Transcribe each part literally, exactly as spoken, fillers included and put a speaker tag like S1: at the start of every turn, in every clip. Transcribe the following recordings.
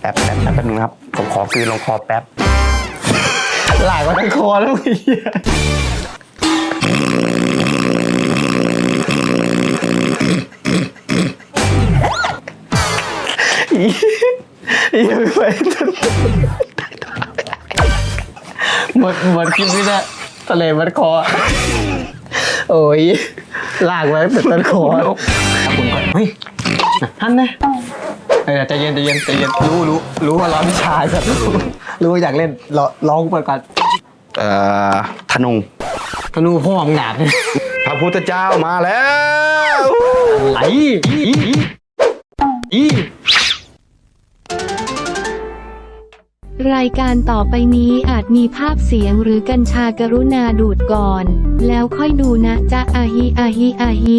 S1: ป๊บแป๊บแป๊บแป๊บนึงครับผมขอคืนลงคอแป๊บ
S2: หลายกว่าทั้งคอแล้วมึงอีไม่ไหวหมดหมดคลิปนี้นะทะเลมัดคอโอ้ยลากไว้เป็นต้นคอคุณก่อนเฮ้ยท่านนะเออใจเย็นใจเย็นใจเย็นรู้รู้รู้ว่าร้อนวิชาสัตว์รู้ว่าอยากเล่นร้องเปิดก่อน
S1: เอ่อธนู
S2: ธนูพ่อมึงหนาดเนี่ย
S1: พระพุทธเจ้ามาแล้ว
S2: ไหลอีอี
S3: รายการต่อไปนี้อาจมีภาพเสียงหรือกัญชากรุณาดูดก่อน แล้วค่อยดูนะจ๊ะอาฮิอาฮิอาฮิ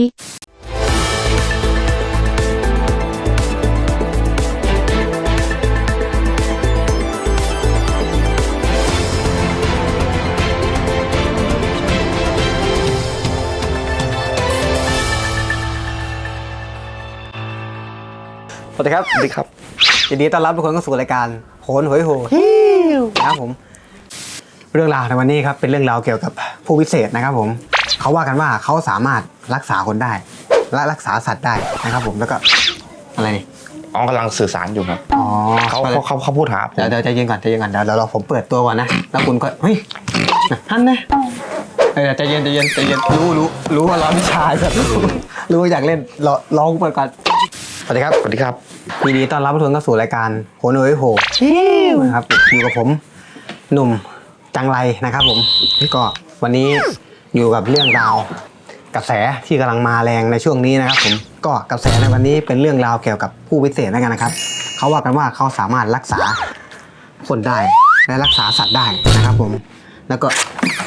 S2: สวัสดีครับสวัสดีครับยินดีต้อนรับทุกคนเข้าสู่รายการโหนหวยโหนะครับผมเรื่องราวในวันนี้ครับเป็นเรื่องราวเกี่ยวกับผู้วิเศษนะครับผมเขาว่ากันว่าเขาสามารถรักษาคนได้และรักษาสัตว์ได้นะครับผมแล้วก็อะไรนี่
S1: อ๋อกำลังสื่อสารอยู่ครับ
S2: อ๋อ
S1: เขาเขาเขาเขาพูดหาผม
S2: เดี๋ยวเดี๋ยวใจเย็นก่อนใจเย็นก่อนเดี๋ยวเราผมเปิดตัวก่อนนะแล้วคุณก็เฮ้ยท่านนะเออใจเย็นใจเย็นใจเย็นรู้รู้รู้ว่าร้อนวิชาสัตว์รู้ว่าอยากเล่นร้องเปิดก่อนสวัสดีครับ
S1: สวัสดีครับ
S2: ยินดีต้อนรับทุกคนเข้าสู่รายการโหนหวยโหนะครับอยู่กับผมหนุ่มจังไรนะครับผมก็วันนี้อยู่กับเรื่องราวกระแสที่กำลังมาแรงในช่วงนี้นะครับผมก็กระแสในวันนี้เป็นเรื่องราวเกี่ยวกับผู้วิเศษแล้วกันนะครับเขาว่ากันว่าเขาสามารถรักษาคนได้และรักษาสัตว์ได้นะครับผมแล้วก็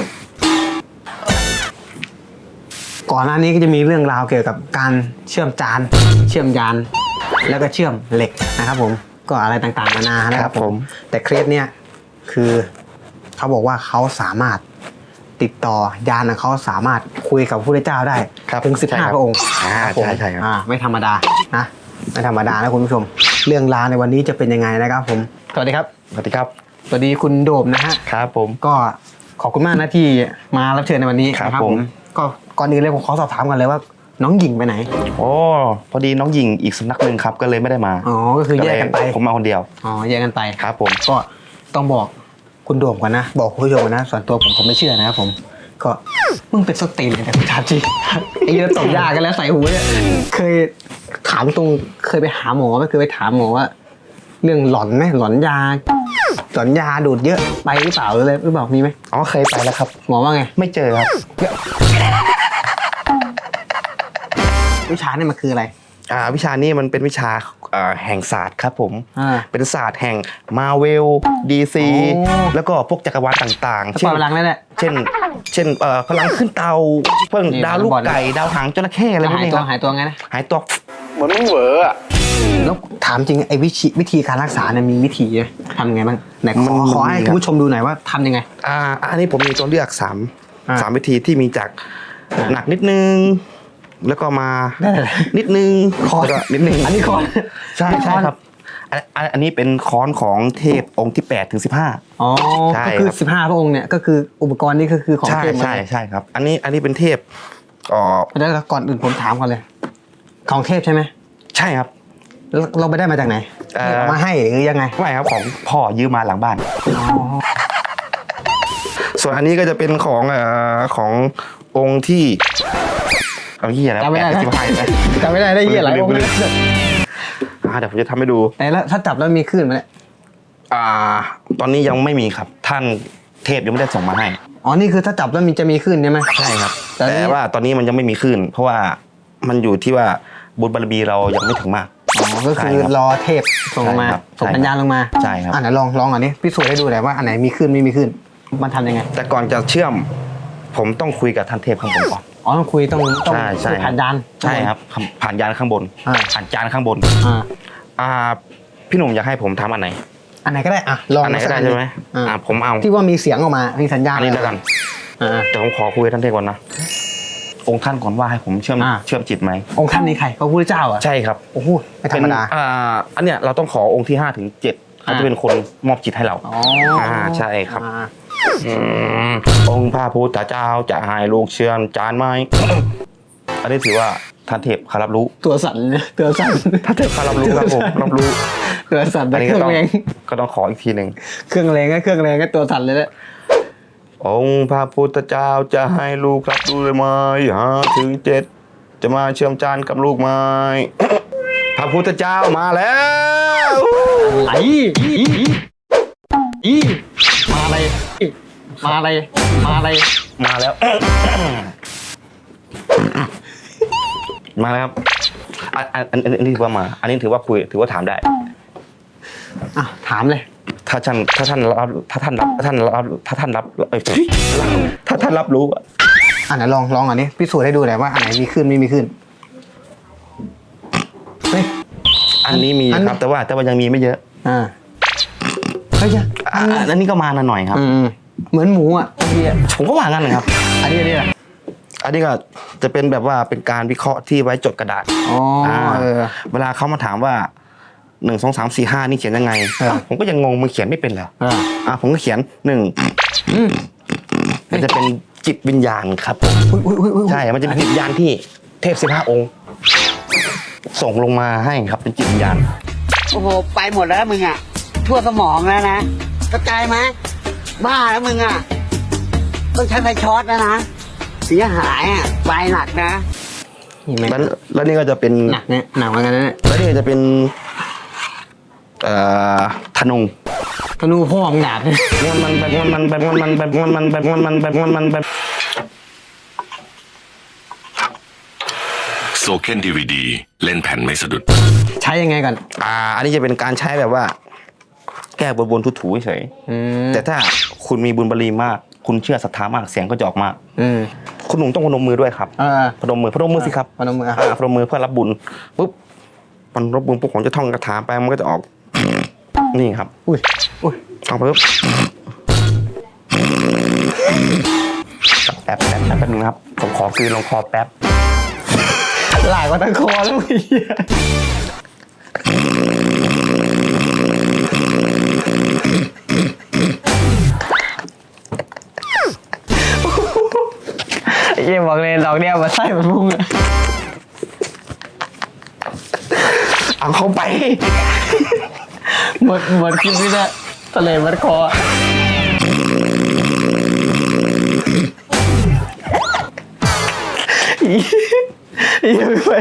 S2: ก่อนหน้านี้ก็จะมีเรื่องราวเกี่ยวกับการเชื่อมจานเชื่อมยานแล้วก็เชื่อมเหล็กนะครับผมก็อะไรต่างๆนานานะครับผมแต่เคสเนี้ยคือเขาบอกว่าเขาสามารถติดต่อยานเขาสามารถคุยกับพระพุทธเจ้าได้ถึงสิบห้าพระองค์
S1: อ่าใช่ใช่ครับ
S2: อ่าไม่ธรรมดานะไม่ธรรมดานะคุณผู้ชมเรื่องราวในวันนี้จะเป็นยังไงนะครับผมสวัสดีครับ
S1: สวัสดีครับ
S2: สวัสดีคุณโดมนะฮะ
S1: ครับผม
S2: ก็ขอบคุณมากนะที่มารับเชิญในวันนี้นะครับผมก็ก่อนอื่นเลยผมขอสอบถามกันเลยว่าน้องหญิงไปไหน
S1: โอ้พอดีน้องหญิงอีกสำนักหนึ่งครับก็เลยไม่ได้มา
S2: อ๋อก็คือแยกกันไป
S1: ผมมาคนเดียว
S2: อ๋อแยกกันไป
S1: ครับผม
S2: ก็ต้องบอกคุณโดมก่อนนะบอกคุณผู้ชมก่อนนะส่วนตัวผมผมไม่เชื่อนะครับผมก็มึงเป็นสตีนเลยแต่คุณถามจริงไอ้เยอะตบยากันแล้วใส่หูเนี่ยเคยถามตรงเคยไปหาหมอไหมเคยไปถามหมอว่าเรื่องหลอนไหมหลอนยาหลอนยาดูดเยอะไปหรือเปล่าหรืออะไรหรือเปล่ามีไหม
S1: อ๋อเคยไปแล้วครับ
S2: หมอว่าไง
S1: ไม่เจอครับ
S2: วิชานี่มันคืออะไร
S1: อ่าวิชานี้มันเป็นวิชาแห่งศาสตร์ครับผมเป็นศาสตร์แห่งมาเวลดีซีแล้วก็พวกจักรวาลต่างๆ
S2: เช่นพลังนั่นแหละ
S1: เช่นเช่นพลังขึ้นเตาเพิ่งดาวลูกไก่ดาวหางจระเข้อะไรพวกนี้
S2: ครับหายตัวไงนะ
S1: หายตัวเหมือนมึงเหวออ่ะ
S2: แล้วถามจริงไอ้วิธีวิธีการรักษาเนี่ยมีวิธีทำไงบ้างไหนขอขอให้คุณผู้ชมดูหน่อยว่าทำยังไง
S1: อ่าอันนี้ผมมีตัวเลือกสามสามวิธีที่มีจากหนักนิดนึงแล้วก็มานิดนึง
S2: คอน
S1: นิดนึง
S2: อันนี้คอน
S1: ใช่ใช่ครับอันนี้เป็นค้อนของเทพองค์ที่แปดถึงสิบห้า
S2: อ๋อก็คือสิบห้าพระองค์เนี่ยก็คืออุปกรณ์นี้ก็คือของเทพ
S1: ใช่ใช่ครับอันนี้อันนี้เป็นเทพอ๋อ
S2: แล้วก่อนอื่นผมถามก่อนเลยของเทพใช่ไหม
S1: ใช่ครับ
S2: เราไปได้มาจากไหนมาให้หรือยังไง
S1: ไม่ครับของพ่อยืมมาหลังบ้านส่วนอันนี้ก็จะเป็นของเอ่อขององค์ที่เอาเหี้ยแล้ว
S2: จำไม่ได้จำไม่ได้ได้เหี้ยหลายองค์เลย
S1: เดี๋ยวผมจะทำให้ดู
S2: แต่แล้วถ้าจับแล้วมีคลื่นไหมเนี่ย
S1: อ่าตอนนี้ยังไม่มีครับท่านเทพยังไม่ได้ส่งมาให้
S2: อ๋อนี่คือถ้าจับแล้วมีจะมีคลื่นใช่ไหม
S1: ใช่ครับแต่ว่าตอนนี้มันยังไม่มีคลื่นเพราะว่ามันอยู่ที่ว่าบุญบารมีเรายังไม่ถึงมาก
S2: อ๋อก็คือรอเทพส่งลงมาส่งสัญญาณลงมา
S1: ใช่ครับ
S2: อ่ะไหนลองลองอันนี้พิสูจน์ให้ดูหน่อยว่าอันไหนมีคลื่นไม่มีคลื่นมันทำยังไง
S1: แต่ก่อนจะเชื่อมผมต้องคุยกับท่านเทพข้างบนก่อน
S2: อ๋อต้องคุยต้องต้องผ่านยาน
S1: ใช่ครับผ่านยานข้างบนผ่านจานข้างบน
S2: อ่า
S1: อ่าพี่หนุ่มอยากให้ผมทำอันไหน
S2: อันไหนก็ได้อ่ะลอง
S1: อันไหนก็ได้ใช่ไหมอ่าผมเอา
S2: ที่ว่ามีเสียงออกมามีสัญญาณ
S1: อันนี้แล้วกันอ่าเดี๋ยวผมขอคุยกับท่านเทพก่อนนะองค์ท่านก่อนว่าให้ผมเชื่อมเชื่อมจิตไหม
S2: องค์ท่านนี้ใครพระพุทธเจ้าอ่ะ
S1: ใช่ครับ
S2: โอ้โหไม่ธรรมดา
S1: อ่าอันเนี้ยเราต้องขอองค์ที่ห้าถึงเจ็ดเขาจะเป็นคนมอบจิตให้เรา
S2: อ๋อ
S1: อ่าใช่ครับ
S2: อ่า
S1: อืมองค์พระพุทธเจ้าจะให้ลูกเชื่อมจานไหม อันนี้ถือว่าท่านเทพเขารับรู้
S2: ตัวสั่นเนี่ยตัวสั่น
S1: ท่านเทพเขารับรู้ครับผมรับรู้
S2: ตัวสั่น
S1: อั
S2: แต่
S1: นนี้
S2: เค
S1: ก็
S2: รื่อง
S1: ต้อง
S2: แรง
S1: ก็ต้องขออีกทีหนึ่ง
S2: เครื่องแรงก็เครื่องแรงก็ตัวสั่นเลยแหละ
S1: องค์พระพุทธเจ้าจะให้ลูกรับรู้เลยไหมหาถึงเจ็ดจะมาเชื่อมจานกับลูกไหม พระพุทธเจ้ามาแล้ว
S2: ไหลอีอีอีมาอะไรมาอะไรมาอะไร
S1: มาแล้ว มาแล้วครับอันอันอันอันนี้ถือว่ามา อันนี้ถือว่าคุยถือว่าถามได้
S2: อ่ะถามเลย
S1: ถ้าท่านถ้าท่านรับถ้าท่านรับถ้าท่านรับถ้าท่านรับเอ้ยถ้าท่านรับรู้อะ
S2: อ่ะไหนลองลองอันนี้พิสูจน์ให้ดูหน่อยว่าอันไหนมีขึ้นไม่มีขึ้นเฮ้ย
S1: อันนี้มี
S2: อันนี้
S1: ครับ แต่ว่าแต่ว่ายังมีไม่เยอะ
S2: อ่าเฮ้ย
S1: อ่ะอันนี้ก็มาหน่อยครับ
S2: อืมเหมือนหมูอ่ะเมื่อกี้อ่ะ
S1: ผมก็ว่างั้นนะครับ
S2: อันนี้อันนี้อ่ะ
S1: อันนี้ก็จะเป็นแบบว่าเป็นการวิเคราะห์ที่ไว้จดกระดาษ
S2: อ๋อ
S1: อ่า
S2: เออ
S1: เวลาเขามาถามว่าหนึ่งสองสามสี่ห้านี่เขียนยังไง
S2: เออ
S1: อ่ะผมก็ยังงงมึงเขียนไม่เป็นเหรอ
S2: อ่า
S1: อ่ะผมก็เขียนหนึ่ง
S2: อืม
S1: มันจะเป็นจิตวิญญาณครับผม
S2: อุ้ยอุ้ยอุ้ยอุ้ย
S1: ใช่ มันจะเป็นจิตวิญญาณที่เทพสิบห้าองค์ ส่งลงมาให้ครับเป็นจิตวิญญาณ
S4: โอ้โห ไปหมดแล้วมึงอ่ะ ทั่วสมองแล้วนะเข้าใจไหมบ้าแล้วมึงอ่ะ ต้องใช้ไฟช็อตแล้วนะ เสียหายอ่ะไปหนักนะ
S2: นี่ไหม
S1: แล้วแล้วนี่ก็จะเป็น
S2: หนักเนี่ยหนักเหมือนกันนะเนี่ย
S1: แล้วนี่ก็จะเป็นเอ่อธนู
S2: ธนูพ่อของดาบเนี่ย
S1: มันมันแบบมันแบบมันแบบมันแบบมันแบบมันแบบ
S5: โซเคนดีวีดีเล่นแผ่นไม่สะดุด
S2: ใช้ยังไงก่อน
S1: อ่า อันนี้จะเป็นการใช้แบบว่า แก้บนบนๆถูๆเฉย
S2: อืม
S1: แต่ถ้าคุณมีบุญบารมีมาก คุณเชื่อศรัทธามากเสียงก็จะออกมา
S2: อืม
S1: คุณหนุ่มต้องพนมมือด้วยครับ
S2: เออ
S1: พนมมือพนมมือสิครับ
S2: พนมมืออ่ะ
S1: อ่าพนมมือเพื่อรับบุญปุ๊บมันรับบุญปุ๊บผมจะท่องคาถาไปมันก็จะออก นี่ครับ
S2: อุ้ยอุ้ย
S1: ท่องปุ๊บแป๊บแป๊บแป๊บแป๊บนึงนะครับผมขอคืนลงคอแป๊บ
S2: หลายกว่าตะคอแล้วมึงเหี้ยไอ้เหี้ยบอกเลยดอกเดียวมาใส่มันพุ่งอะ
S1: เอาเข้าไป
S2: หมดหมดคลิปนี้นะทะเลมัดคออะอีอีไม่ไป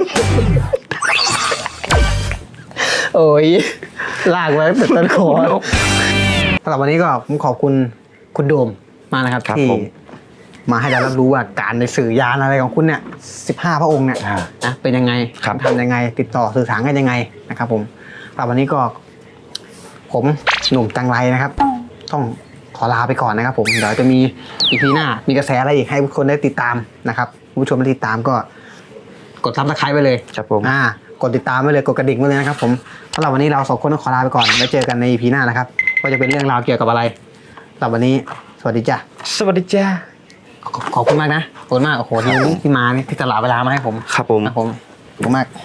S2: โอ้ยลากไว้เป็นต้นคอสำหรับวันนี้ก็ผมขอบคุณคุณโดมมากนะครับ
S1: ครับ
S2: ที่
S1: ผม
S2: มาให้เรารับรู้ว่าการในสื่อยานอะไรของคุณเนี่ยสิบห้าพระองค์เนี่ย
S1: อ่า
S2: นะเป็นยังไง
S1: ครับ
S2: ทำยังไง ติดต่อสื่อสารกันยังไงนะครับผมสำหรับวันนี้ก็ ผมหนุ่มจังไรนะครับ ต้องขอลาไปก่อนนะครับผมเดี๋ยวจะมีอีพีหน้ามีกระแสอะไรอีกให้ทุกคนได้ติดตามนะครับผู้ชมได้ติดตามก็กดซับสไครต์ไปเลย
S1: ครับผม
S2: อ่ากดติดตามไว้เลยกดกระดิ่งไว้เลยนะครับผมสำหรับวันนี้เราสองคนต้องขอลาไปก่อนไว้เจอกันในอีพีหน้านะครับว่าจะเป็นเรื่องราวเกี่ยวกับอะไรสำหรับวันนี้สวัสดีจ้ะ
S1: สวัสดีจ้า
S2: ขอขอบคุณมากนะขอบคุณมากโอ้โหที่ที่มานี่ที่ตลาดเวลามาให้ผม
S1: ครับผม
S2: นะผมขอบคุณมาก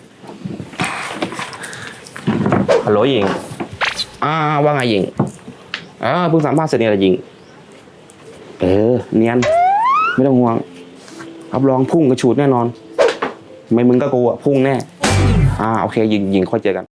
S1: ฮัลโหลหญิงอ่าว่าไงหญิงอ่าเพิ่งสัมภาษณ์เสร็จเนี่ยแหละหญิง เออเนียนไม่ต้องห่วงรับรองพุ่งกระฉูดแน่นอน ไม่มึงก็กูอะพุ่งแน่ อ่าโอเคหญิงหญิงค่อยเจอกัน